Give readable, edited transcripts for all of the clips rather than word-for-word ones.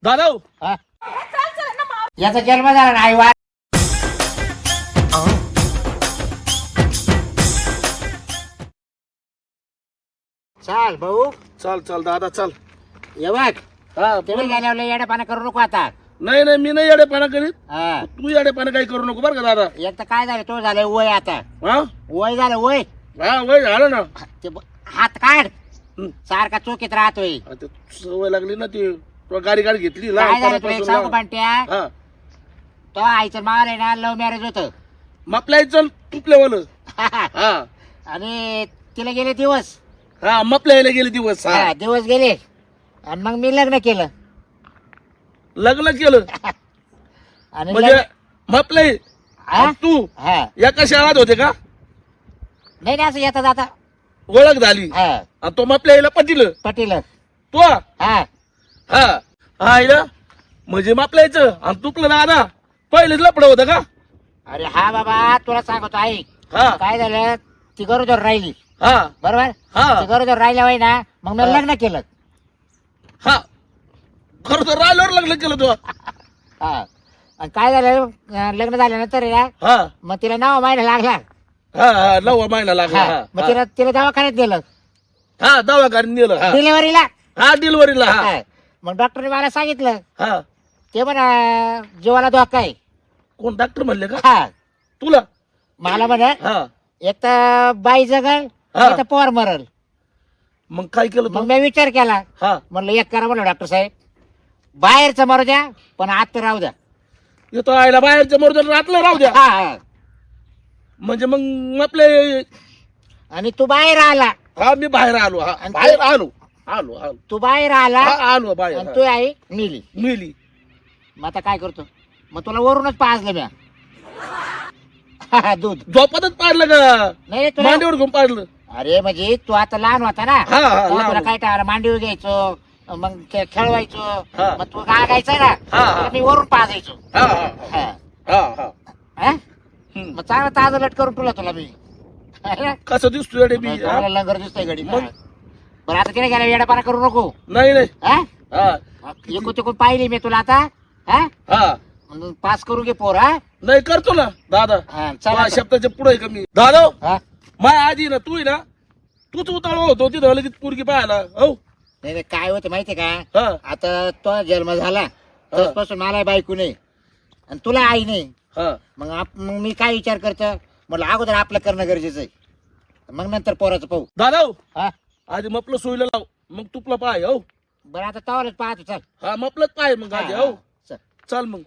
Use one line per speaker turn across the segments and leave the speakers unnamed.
दादा हो.
हा? याचा जन्म झाला नाही वा चाल भाऊ
चल चल दादा चल.
ये बघ
हा
तुम्ही गेल्यावर येडेपणा करू नको आता.
नाही नाही मी नाही येडेपणा करीत.
हा
तू येडेपणा काही करू नको बरं का दादा.
एक तर काय झालं तो झालं वय आता
हा
वय झालं वय
हा वय झालं ना.
हात काढ
हं.
सारखा चोकीत राहतोय.
आता सवय लागली ना ती तो गाडी घेतली
काय झालं तुला एक
लहानपणापासून
सांगू
ना.
पांट्या
हा
तो आईचं माल आहे ना लव्ह मॅरेज होत
मपल्याचं तुपल्यावालं. हा
आणि तिला गेले दिवस
हा मपल्याला गेले दिवस. हा
हा, दिवस गेले आणि मग मी लग्न केलं
लग्न केलं
आणि
म्हणजे
लग्न-
मपले
हा?
तू
हा
एका शाळात होते का.
नाही नाही असं येता जाता
ओळख झाली
हा
आणि तो मपल्याला पटिलं
पटील
तो.
हा
हा हा इला म्हणजे मापल्याचं आणि तुपलं दादा पहिलेच लपड होतं का.
अरे हा बाबा तुला सांगतो ऐक
हा
काय झालं ती गरोदर राहिली
हा
बरोबर
हा
ती गरोदर राहिल्या वय ना मग मी
हा.
लग्न केलं
हा खरं तर राहिल्यावर लग्न केलं तू.
हा आणि काय झालं लग्न झाल्यानंतर आहे ना
हा
मग तिला नाव माहिती लागला
हा हा 9वा महिना लागला.
हा,
हा
मग तिला तिला दवाखान्यात दिलं
हा दवाखान्यात नेलं. हा
डिलिव्हरीला
हा डिलिव्हरीला. हा
मग डॉक्टरने मला सांगितलं
हा
ते म्हणा जीवाला धोका आहे.
कोण डॉक्टर म्हणले का
हा
तुला.
मला म्हणा
हा
एक तर बाई जगल
हा.
एक तर पोर मरल.
मग काय केलं
मग
तू.
मी विचार केला
हा
म्हणलं एक करा म्हणलं डॉक्टर साहेब बाहेरचं मरू द्या पण आत राहू द्या.
येतो आईला बाहेरच्या मर्दन रातलं राहू द्या.
हा, हा.
म्हणजे मग आपले
आणि तू बाहेर आला
हा मी बाहेर आलो. हा
आणि
बाहेर आलो आलो आलो.
तू बाहेर आला
हा आलो बाहेर.
आणि
हा.
तू आई मिली
मिली.
मग आता काय करतो मग तुला वरूनच पाजलं म्या दूध
झोपतच पाडलं का
नाही रे तुला
मांडीवर घेऊन पाडलं.
अरे म्हणजे तू आता लहान होता ना
हा, हा,
तेव्हा
लहान
तुला
होतो.
काय टाळलं मांडीवर घ्यायचो मग खेळवायचो
हा.
मग तू गायचा ना
हा, हा.
तुला मी वरून पाजायचो
हा हा
हा.
हा हा
हा?
हम्म.
मग चांगलं ताजं लट करून तुला मी
कसं दिसतोय रे मी.
चांगला लंगर दिसतोय गडी
मग?
बरं आता तिने गेला येडापाना करू नको
नाही नाही.
हा
हा
एकूण तिकून पाहिली मी तुला आता हा
हा
मग पास करू घे पोर हा
नाही करतो ना दादा.
हा, चला
माझ्या
आता.
शब्दाच्या पुढे कमी दादा.
हा?
माझ्या आधी ना तू ना तूच उताळ होतो तिथं लगेच पोरगी पाहायला. हो
नाही नाही, काय होतं माहितीये का
हा
आता तो जन्म झाला तसपासून मला बायको नाही आणि तुला आई नाही.
हा
मग मी काय विचार करतो म्हटलं अगोदर आपलं करणं गरजेचं आहे मग नंतर पोराचं पाहू.
दादा हो,
हा
आधी मपलं सोयीला लाव मग तुपलं पाय. हो
बरं आता तवालाच पाहतो चल.
हा मपलंच पाय मग आधी. हो
चल.
चल मग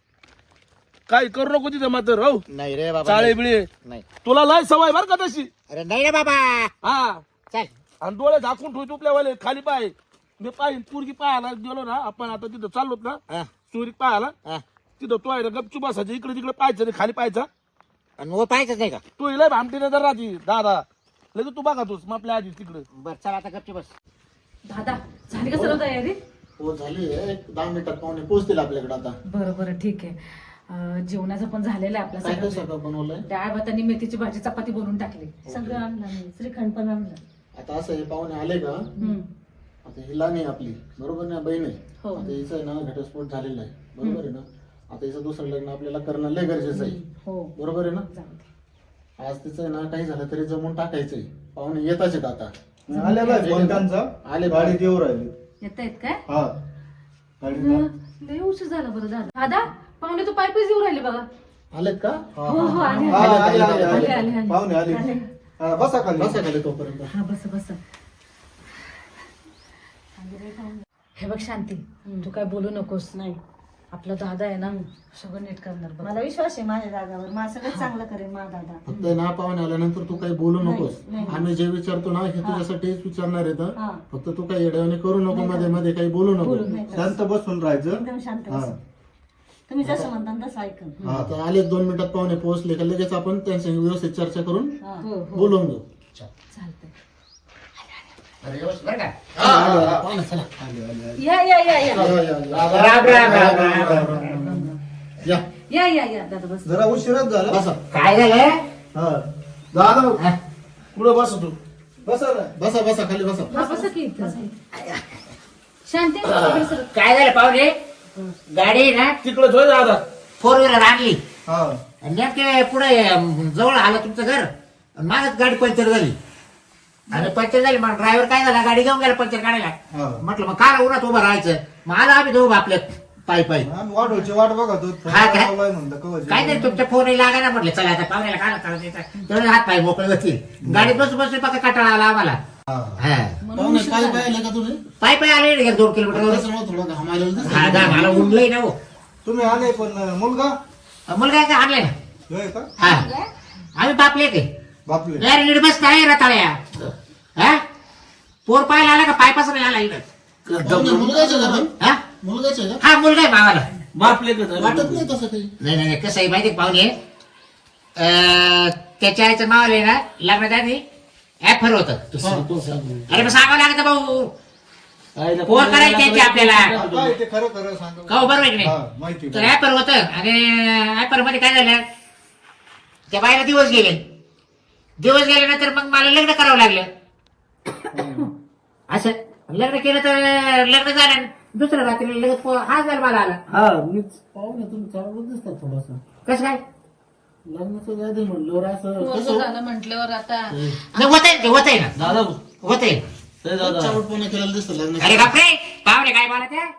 काही करू नको तिथे मात्र. हो
नाही रे बाबा
चाळे
नाही.
बिळे
नाही
तुला लय सवय बर का तशी.
अरे नाही रे बाबा
हा
चल.
आणि डोळे झाकून ठेवतो तुपल्यावाले खाली पाय. मी पाहिजे पोरगी पाहायला गेलो ना आपण आता तिथं चाललोत ना
हा,
चोरी पाहायला
हा.
तिथं तो आहे ना गपचूप बसायचं इकडे तिकडे पाहायचं नाही खाली पाहायचा.
आणि व पाहायचंच नाही का
तू लय भामटीने जर राहती दादा लगेच तू बघा तूच मग आपल्या आधी तिकडे.
बरं चल आता गपची बस.
दादा झाली का सर्व तयारी?
हो झाली आहे. एक 10 मिनिटात पाहुणे पोहोचतील आपल्याकडे. आता
बरं बरं ठीक आहे. जेवणाचं पण झालेलं आहे आपलं
काय काय
सगळं.
स्वयंपाक बनवलंय.
डाळ भात आणि मेथीची भाजी चपाती बनवून टाकली.
सगळं आणलं मी श्रीखंड पण आणलं.
आता असं हे पाहुणे आले का
हम्म.
आता ही लहान आहे आपली बरोबर ना बहीण आहे.
हो.
आता हिचं आहे ना घटस्फोट झालेला आहे बरोबर आहे ना. आता हिचं दुसरं लग्न आपल्याला करणं लय गरजेचं आहे
हो
बरोबर आहे ना.
जाऊ दे.
आज तिचं आहे ना काही झालं तरी जमून टाकायचंय. पाहुणे येताच आहेत आता.
आल्या बाय कोणत्यांचा
आले
गाडी देऊ राहिली.
येत आहेत काय?
हा गाडी
लय उशीर झाला बरं दादा. दादा पाहुणे तू पायपीच येऊ राहिले बघा.
आलेत का.
हो हो आले
हा,
आले.
आले, आले,
आले,
आले.
आले, आले.
पाहुणे आले.
आले.
हा, बसा खाली.
बसा खाली तोपर्यंत.
हा बस बस. हे बघ शांती तू काय बोलू नकोस.
नाही
आपला दादा आहे ना सगळं नीट करणार बघ.
मला विश्वास आहे माझ्या दादावर. मला सगळं चांगलं करेल माझा दादा.
फक्त आहे ना पाहुणे आल्यानंतर तू काही बोलू नकोस.
नाही.
आम्ही जे विचारतो ना हे तुझ्यासाठीच विचारणार आहे तर.
हा.
फक्त तू काही येड्यावाने करू नको. मध्ये मध्ये काही बोलू नको.
नाही.
शांत बसून राहायचं.
एकदम शांत
हा
बस. तुम्ही जसं म्हणता ना तसं ऐकन.
हा.
आता आले 2 मिनिटात पाहुणे पोहोचले का लगेच आपण त्यांच्या व्यवस्थित चर्चा करून
हा.
हो हो
बोलवून घेऊ.
चालतंय.
अरे व्यवस्थित बरं का.
पाहुणे चला.
या या या या
राम राम राम राम.
या
या या या दादा बस.
जरा उशीरच झाला.
बसा
काय झालं
हा दादा
हा?
कुठं बस तू.
बसा ना.
बसा बसा खाली बसा.
हा बसा की इथं. शांती इकडे सरक.
काय झालं पाहुणे गाडी आहे ना
तिकडे ठेव दादा.
4 व्हीलर आणली
हा
आणि नेमके पुढे जवळ आलं तुमचं घर आणि मागच गाडी पंक्चर झाली आणि पंक्चर झाली मग ड्रायव्हर काय झाला गाडी घेऊन गेला पंक्चर काढायला.
हा.
म्हटलं मग काय उन्हात उभं राहायचं मग आला आम्ही दोघं आपल्या पायी पायी.
आम्ही वाढवची वाट बघत होतो
हा काय?
लावलाय म्हणलं कवच.
काय तरी तुमच्या फोन लागा ना म्हटलं चला आता पाहुण्याला काय करायचं तेवढे हात पाय मोकळे होतील. गाडीत बसून बसून फक्त कंटाळा आला आम्हाला.
हा.
हा
पाहुणे काय पाहिलं का तुम्ही
पायी पायी आले 2 किलोमीटर.
त्याच्यामुळे थोडं घामायला दिसतं.
हा गा मला उडलंय ना हो.
तुम्ही आले पण मुलगा
मुलगा काय आणलाय ना.
होय का
हा आम्ही बापले ते
बापले
यार नीट बस काय रताळ्या. हा पोर पाहायला आला का पायपासून आला इकडं.
पाहुणे, मुलगाच आहे का पण?
हा
मुलगाच आहे का
हा मुलगा आहे मावाला.
बापले कसं
वाटत नाही तसं काही
नाही कसं आहे माहिती पाहुणे त्याच्या आईचं मावाला आहे ना लग्नाच्या आधी ऍफर होतं. अरे मग सांगावं लागतं भाऊ पोर करायची त्याची आपल्याला
काय ते खरं खरं सांग
का बरोबर आहे की
हा
नाही.
माहिती
तर ऍपर होतं आणि ऍपर मध्ये काय झालं त्या बाईला दिवस गेल्यानंतर मग मला लग्न करावं लागलं. असं लग्न केलं तर लग्न झालं दुसऱ्या रात्री लगेच हा झाला मला आला.
पाहुणे तुम्ही चांगलं दिसतात थोडंसं
कसं काय
लग्नाचं आधी म्हणलं असं
पोरगं झालं म्हटल्यावर आता
होत आहे ना
दादा
होत आहे.
हे दादा
चावटपणा केलेलं दिसतं लग्न
अरे बापरे पाहुणे काय बोला त्या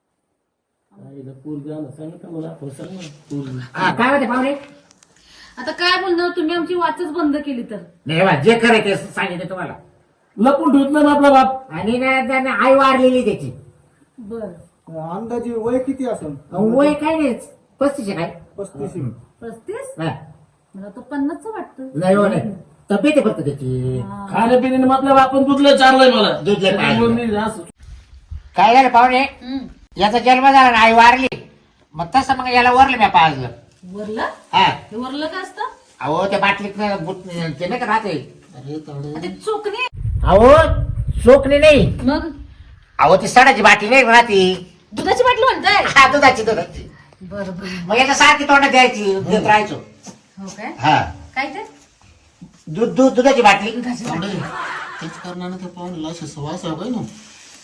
काय होते पाहुणे.
आता काय बोलणार तुम्ही आमची वाचच बंद केली तर.
नाही बा जे खरं ते सांगितलं तुम्हाला.
लपून ठेवत नाही ना आपला बाप.
आणि ना त्याने आई वारलेली त्याची.
बर
अंदाजे वय किती असेल
वय काय नाही 35 आहे काय
35
35
हा.
मला तो 50 वाटतं.
नाही हो नाही तब्येत आहे फक्त त्याची.
खाण्यापिण्याने मग आपल्या बापान दुधलं चारलंय मला.
दूध लय पाहिजे.
त्यामुळे मी असं
काय झालं पाहुणे
हम्म.
याचा जन्म झाला ना आई वारली मग तसं मग याला वरलं मी पाजलं.
वरलं
हा
हे वरलं काय असतं.
अहो त्या बाटलीत ते नाही का राहते.
अरे तावडे
ते चोकणी
अहो चोकणी नाही
मग
अहो ती सडाची बाटली नाही राहते.
दुधाची बाटली म्हणताय.
हा दुधाची
बर बर
मग याच्या सारखी तोंडात द्यायची देत राहायचो.
हो काय
हा
काय ते
दुधाची बाटली.
तावडे त्याच कारणाने त्या पाहुण्याला अशी सवय असावं काय ना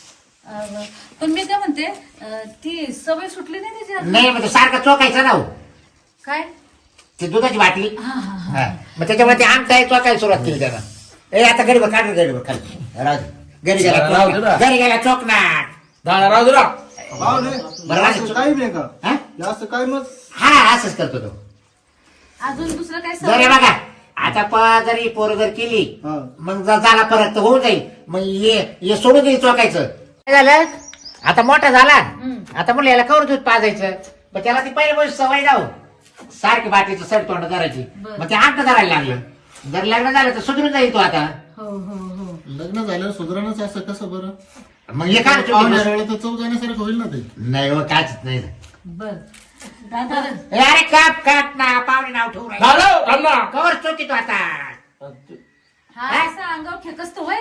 पण मी काय म्हणते ती सवय सुटली नाही त्याची
नाही म्हणजे सारखं चोकायचं ना हो.
काय
ती दुधाची बाटली.
हा हा हा
हा मग त्याच्यामुळे ते आमचा चोकायला सुरुवात केली त्यानं. ए आता गरीब काढ गरीब खाली राजू घरी
राहू दे ना.
घरी गेला चोकणार.
दादा राहू दे ना.
पाहुणे
बरं,
असं काही नाही का
हा?
जास्त काय मग
हा असंच करतो तो.
अजून दुसरं काय
जरे
सवय
बघा आता जरी पोर जर केली
हा
मग झाला परत तर होऊन जाईल. मग ये सोडून देईल चोकायचं. काय झालं आता मोठा झाला आता म्हणलं याला कवर दूध पाजायचं. मग त्याला ती पहिली गोष्ट सवय जाऊ सारखी बाटलीचं सड तोंड करायची.
बरं.
मग ते अंत धरायला लागलं. जर लग्न झालं तर सुधरून जाईल तो आता.
हो हो हो
लग्न झाल्यावर सुधारणच असं कसं बरं
मग हे काय
पाहुण्या वेळेला तर चव जाण्यासारखं होईल ना ते
नाही हो काच नाही.
बर
दादा
ए, अरे काप ना पाहुणे नाव ठेवू राहिले.
दादा थांब ना.
कवर चोकी तो आता.
हा असं अंगावर फेकस्त होय.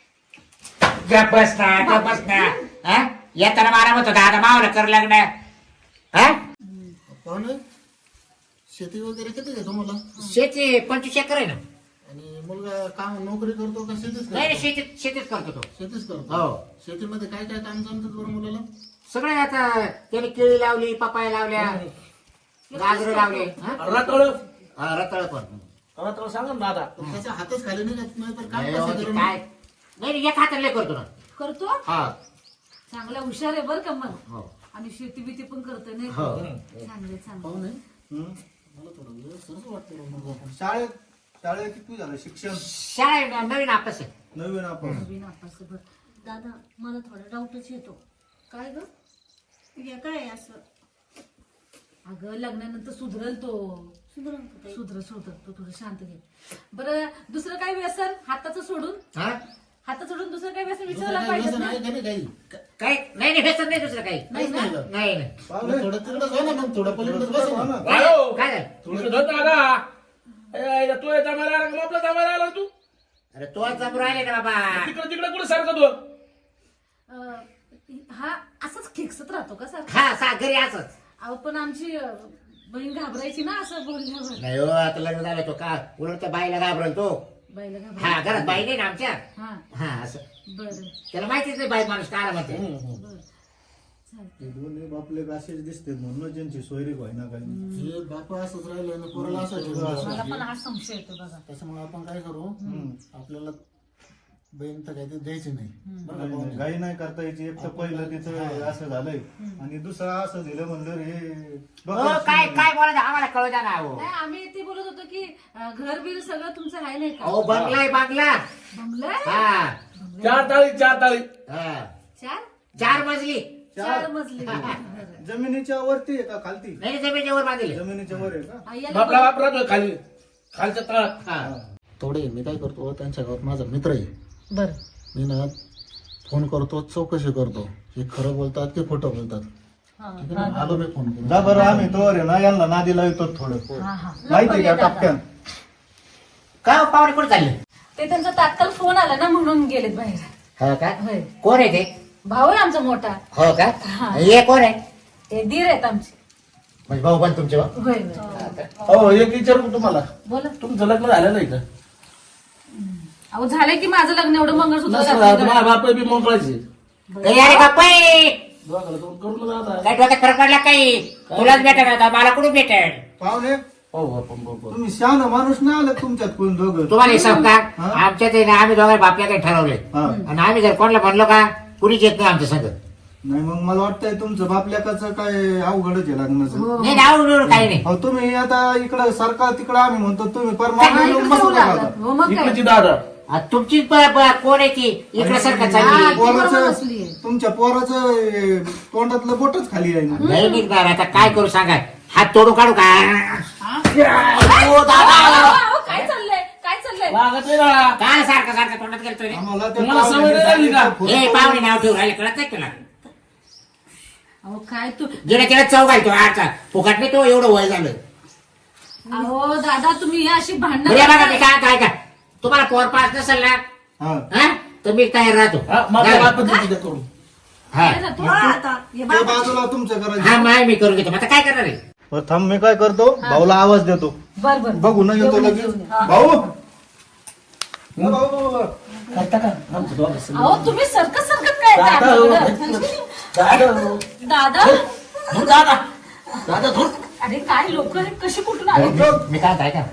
गप बस ना हा? येताना मारा म्हणतो दादा मावला कर लग्न. हा
पाहुणे शेती वगैरे किती आहे तुम्हाला
शेती 25 एकर आहे ना.
आणि मुलगा काम नोकरी करतो का शेतीच
नाही
करतो
शेतीच करतो तो.
शेतीच करतो
हो
शेतीमध्ये काय काय काम जमतात बरं मुलाला
सगळे आता त्याने केळी लावली पपाया लावल्या गाजर लावले.
रातोळ
रताळ पण.
रातोळ सांगा ना दादा.
त्याच्या हातच खाली निघत नाही तर काम
नाही हो,
कसं
ते
करून
काय नाही एक हाताला करतो ना.
करतो
हा
चांगला हुशार आहे बर का मग.
हो
आणि शेती बिती पण करतोय नाही
हो.
चांगले चांगले.
पाहुणे
हम्म.
मला थोडं सरस वाटतं बा मुलगा.
शाळेत किती झालं शिक्षण
शाळा नवीन आपस आहे.
नवीन आपण
नवीन आपस बर.
दादा मला थोडा डाऊटच येतो.
काय ग
हे काय असं
अगं लग्नानंतर सुधरल तो.
सुधरून का ताई?
सुधर तू थोडं शांत घे. बरं दुसरं काय व्यसन हाताचं सोडून
हा
हातात सोडून दुसरं काय व्यसन
दुसरं
विचारायला
काही
पाहिजे
व्यसन
ना.
आहे का नाही काही
काय नाही व्यसन नाही दुसरं काही.
नाही ना.
काहीच नाही
नाही
मग थोडं तिकडंच हो ना मग थोडं पलीकडंच बसा ना
वायो.
काय झालं.
तुझं धन दादा. ए, तू येता मला आला का आपला जमायला आला तू.
अरे तो जमू राहिले ना बाबा.
तिकडे तिकडे कुठे सारखं तू.
हा असंच खेकसत राहतो का सर.
हा घरी असच.
अहो पण आमची बहीण घाबरायची ना असं बोलल्यावर.
नाही हो आता लग्न झालं तो का उलट त्या बाईला घाबरल तो.
बाईला
हा
घाबरायची.
घरात बाई नाही ना आमच्या.
हा
हा असं
बरं
त्याला माहितीच नाही बाई माणूस काय म्हणते.
हे दोन्ही बापले असेच दिसते म्हणून ज्यांची सोयरी व्हायना काही.
हे बाप असंच राहिलं आणि पोराला असं ठेवलं.
मला पण हा संशय येतो बघा.
त्याच्यामुळे आपण काय करू आपल्याला बहीण तर काही ते द्यायची नाही बरं का
नाही,
पाहुणे?
घाई नाही करता यायची. एक तर पहिलं तिचं असं झालंय आणि दुसरं असं दिलं म्हणलं हे
हो काय काय बोलायचं आम्हाला कळू द्या ना. हो
नाही आम्ही ते बोलत होतो की घर बिल सगळं तुमचं आहे नाही का?
अहो बंगला आहे बंगला.
बंगला
हा
4 ताळी 4 ताळी.
हा.
चार
4 मजली.
4 मजली.
जमिनीच्या वरती आहे का खालती?
नाही जमिनीच्या वर बांधले.
जमिनीच्या वर आहे का?
आईला
बापला वापरा खाली खालच्या तळात.
हा.
थोडे मी काय करतो त्यांच्या गावात माझा मित्र आहे.
बरं
मी ना फोन करतो चौकशी करतो हे खरं बोलतात की खोटं बोलतात.
हा
ठीक आहे ना? आलो मी फोन करून.
जा बरं आम्ही तोवर आहे ना यांना नादी लावतो थोडं.
हा हा
माहिती का टपक्यान?
काय हो, पाहुणे कुठे चालले?
ते त्यांचा तात्काळ फोन आला ना म्हणून गेलेत बाहेर.
हो का?
होय
कोण आहे ते?
भाऊ आहे आमचा मोठा.
हो का?
हा.
हे कोण आहे?
ते दीर आहेत आमचे.
म्हणजे भाऊ पण तुमचे भाऊ?
होय होय.
हो एक विचारू तुम्हाला,
बोला.
तुमचं लग्न झालं नाही का?
अहो झालंय की माझं लग्न एवढं मंगळसूत्र
नसलं
घातलंय
तर माझ्या
गळ्यात.
बाप बी मोकळायचे.
अरे बाप्पाई
दोघाला दोन करून जाता.
काय डोक्यात फरक पडला काही? तुलाच भेटेल आता मला कुठून भेटेल?
पाहुणे
हो आपण बरोबर.
तुम्ही शहाणा माणूस नाही आलं तुमच्यात कोण दोघं?
तुम्हाला हिसाब का?
हा?
आमच्यात आहे ना आम्ही दोघांना बापल्याकडे ठरवले
हा.
आणि आम्ही जर कोणाला म्हणलो का कुणीच येत नाही आमच्या संग.
नाही मग मला वाटतंय तुमचं बापल्याकाचं काय अवघडच आहे लग्नाचं.
नाही नाव बिव काही नाही.
अहो तुम्ही आता इकडं सरकार तिकडं आम्ही म्हणतो तुम्ही
हा,
परमानंट
इकडे
बसू
ठेवलं
नका
आता.
आता.
हो मग काय?
इकडची दादा
आता तुमची कोण आहे ती इकडे सारखं
हा,
चालली?
ती बरोबर
पोराचं
बसलीये.
तुमच्या पोराचं तोंडातलं बोटच खाली आहे ना.
नाही निघणार आता काय करू सांगा? हात तोडू काढू का?
अहो, काय चाललंय काय चाललंय?
लागत नाही ना.
काय सारखं सारखं तोंडात गेलतोय रे?
आम्हाला त्या
तुम्हाला सवय नाही लागली का?
हे पाहुणे नाव ठेवून राहिले कळत नाही तुला?
अहो काय तू
गेल्या त्याला चव घालतो आजचा फुकट नाही तो एवढं वय झालं.
अहो दादा तुम्ही अशी भांडणं
म्हणजे बघा मी
करताय.
काय काय का तुम्हाला पोर पास नसेल ना
हा.
हा? तर मी तयार राहतो.
हा, माझ्या
हा.
बाप तिथे करून.
हा.
काय जातो? आता हे
ते
बघ.
बाजूला तुमचं
हा
करायचं.
माय मी करून घेतो. आता काय करणार आहे?
बरं, थांब मी काय करतो भाऊला आवाज देतो.
बर बर
बघू ना येतो
घेऊन ये,
लगेच.
घेऊन ये. हा.
भाऊ हा, भाऊ.
करता का? आमचं दोघं सगळं.
अहो तुम्ही सरकत सरकत काय येताय
दादा, हो.
आमच्याकडं?
दादा
दादा
धुर दादा. दादा धुर.
अरे काय लोक कशी कुठून आले
मी काय काय का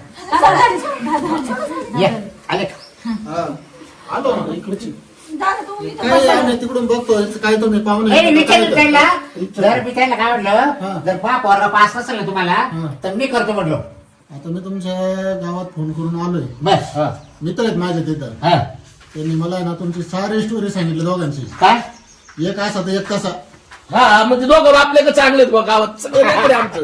दादा
ये आले
हा.
आलो ना इकडची.
दादा तू इथं
काय
बसा.
आम्ही तिकडून बघतो काय तुम्ही पाहुणे
हे विचार
काय
त्यांना
विचार.
जर मी त्यांना काय म्हटलं
हा.
जर पा पोरगा पास नसेल ना तुम्हाला
हा.
तर मी करतो म्हटलो.
आता मी तुमच्या गावात फोन करून आलोय.
बस
मित्र आहेत माझे तिथं.
हा.
त्यांनी मला आहे ना तुमची सारी स्टोरी सांगितली दोघांची.
काय
एक असा तर एक तसा.
हा म्हणजे दोघं आपल्याकडे चांगले आहेत बा गावात सगळं काहीतरी आमचं.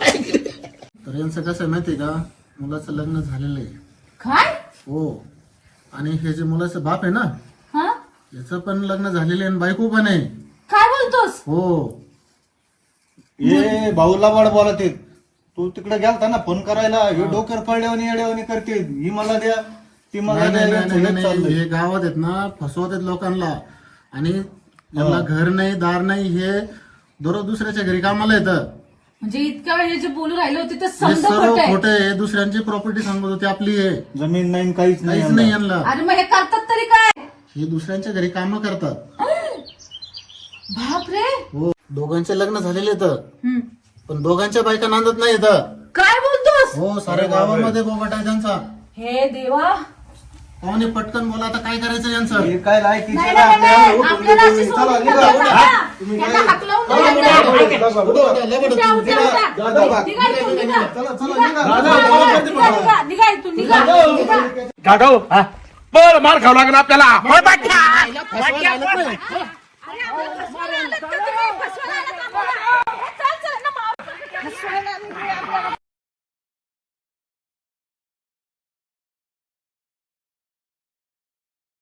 तर यांचं कसं आहे माहितीये का मुलाचं लग्न झालेलं आहे.
काय
हो आणि हे जे मुलाचं बाप आहे ना
हा
याचं पण लग्न झालेलं आहे आणि बायको पण आहे.
काय बोलतोस
हो
ये भाऊला वाढ बोलत आहेत. तू तिकडे गेलता ना फोन करायला हे डोक्यावर पडल्यावानी येड्यावानी करते. ही मला द्या ती मला
नाही,
द्या
नाही,
यांचं
नाही,
हेच
नाही,
चाललंय.
हे गावात आहेत ना फसवत आहेत लोकांना आणि यांना घर नाही दार नाही हे दररोज दुसऱ्याच्या घरी कामाला येतं.
म्हणजे इतक्या वेळ हे जे बोलू राहिले होते ते
हे
समजा
सर्व
खोट आहे
खोटं आहे. दुसऱ्यांची प्रॉपर्टी सांगत होती आपली आहे
जमीन नाही काहीच नाही
काहीच नाही
यांना.
यांना.
अरे मग हे करतात तरी काय
हे दुसऱ्यांच्या घरी कामं करतात.
बाप रे
हो दोघांचे लग्न झालेले तर
हम्म.
पण दोघांच्या बायका नांदत नाही इथं.
काय बोलतोस
हो साऱ्या गावामध्ये बोगट आहे त्यांचा.
हे देवा
पाहुणे पटकन बोला आता काय करायचं यांचं.
हे काय लायकीचे
नाही,
ना
नाही,
आपल्याला
नाही,
उठून
आपल्याला
देतो
अशी
मी. चला
सोडून
निघा,
द्या,
उठा.
दादा.
तुम्ही
त्यांना
काय-
हाकलवून
चला,
द्या.
निघा,
निघा,
निघा, निघा,
उठा,
निघा.
लगेच
उठा,
उठा.
उठा, उठा.
दादा, बा.
निघा इथून, निघा.
चला चला
निघा,
निघा.
निघा,
दादा,
निघा,
करते
निघा,
मला.
निघा इथून, निघा, निघा.
गाढव पण मार खावं लागेल आपल्याला.
अरे, आम्हाला फसवायला